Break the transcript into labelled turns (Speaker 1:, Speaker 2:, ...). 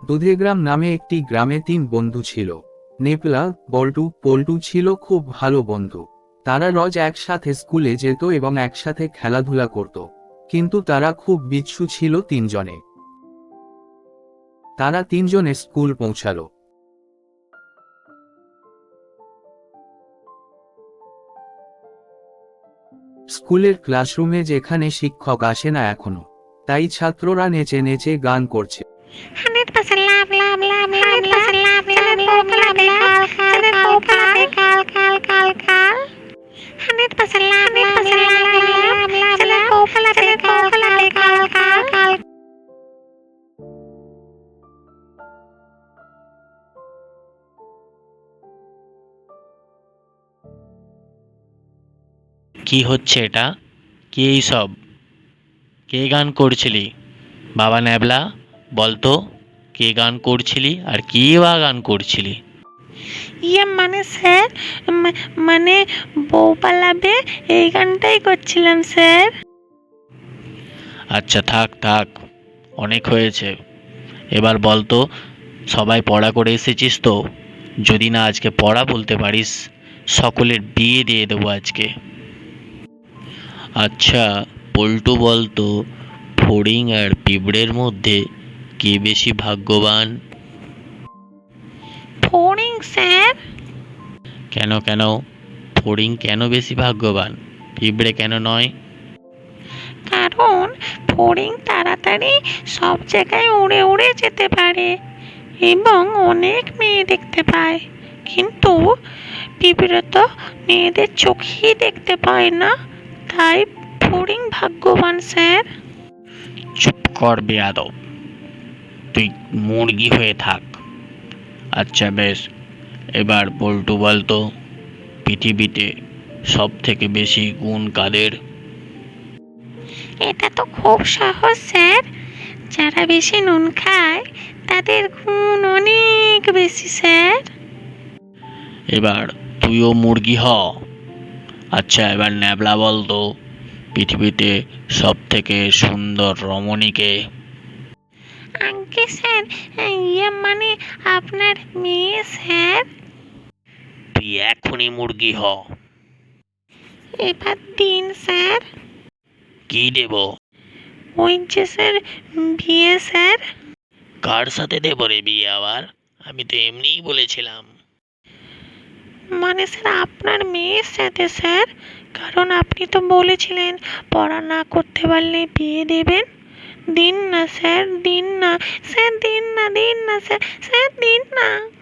Speaker 1: দুধেগ্রাম নামে একটি গ্রামে 3 বন্ধু ছিল। নেপলা, বল্টু, পল্টু ছিল খুব ভালো বন্ধু। তারা রোজ একসাথে স্কুলে যেত এবং একসাথে খেলাধুলা করত। কিন্তু তারা খুব বিচ্ছু ছিল তিনজনে। তারা তিনজনে স্কুল পৌঁছালো। স্কুলের ক্লাসরুমে যেখানে শিক্ষক আসে না এখনো, তাই ছাত্ররা নেচে নেচে গান করছে।
Speaker 2: 100% লাভ লাভ লাভ লাভ লাভ লাভ লাভ লাভ লাভ লাভ কাল কাল কাল কাল কাল কাল 100% লাভ লাভ লাভ লাভ লাভ লাভ লাভ কোপলাতে কোপলাতে কাল কাল কাল।
Speaker 3: কি হচ্ছে এটা? কি এইসব? কে গান করছিলি? বাবা ন্যাবলা, বলতো কে গান করছিলি আর কি বা গান করছিলি?
Speaker 2: মানে স্যার, মানে বউ পালাবে এই গানটাই করছিলাম স্যার।
Speaker 3: আচ্ছা থাক থাক, অনেক হয়েছে। এবার বলতো, সবাই পড়া করে এসেছিস তো? যদি না আজকে পড়া বলতে পারিস, সকলের বিয়ে দিয়ে দেবো আজকে। আচ্ছা পল্টু, বলতো ফড়িং আর পিঁপড়ের মধ্যে কে বেশি ভাগ্যবান?
Speaker 2: ফড়িং স্যার।
Speaker 3: কেন কেন? ফড়িং কেন বেশি ভাগ্যবান, পিঁপড়ে কেন নয়?
Speaker 2: কারণ ফড়িং তাড়াতাড়ি সব জায়গায় উড়ে উড়ে যেতে পারে এবং অনেক মেয়ে দেখতে পায়। কিন্তু পিঁপড়ে তো মেয়েদের চোখেই দেখতে পায় না, তাই ফড়িং ভাগ্যবান স্যার।
Speaker 3: চুপ কর বেয়াদব, তুই মুরগি হয়ে থাক। আচ্ছা বেশ, এবার পল্টু বলতো, পৃথিবীতে সব থেকে বেশি গুণ কাদের?
Speaker 2: এটা তো খুব সহজ স্যার, যারা বেশি নুন খায় তাদের গুণ অনেক বেশি স্যার।
Speaker 3: এবার তুইও মুরগি হ। আচ্ছা এবার ন্যাবলা বলতো, পৃথিবীতে সব থেকে সুন্দর রমণীকে?
Speaker 2: আজ্ঞে স্যার, মানে আপনার মেয়ে স্যার।
Speaker 3: তুই এখনই মুরগি হ।
Speaker 2: এবার দিন স্যার।
Speaker 3: কি দেব?
Speaker 2: ওই যে স্যার, বিয়ে স্যার।
Speaker 3: কার সাথে দেব রে বিয়ে আবার? আমি তো এমনিই বলেছিলাম।
Speaker 2: মানে স্যার আপনার মেয়ের সাথে স্যার, কারণ আপনি তো বলেছিলেন পড়া না করতে পারলে বিয়ে দেবেন। দিন না স্যার, দিন না স্যার, দিন না, দিন না স্যার, স্যার দিন না।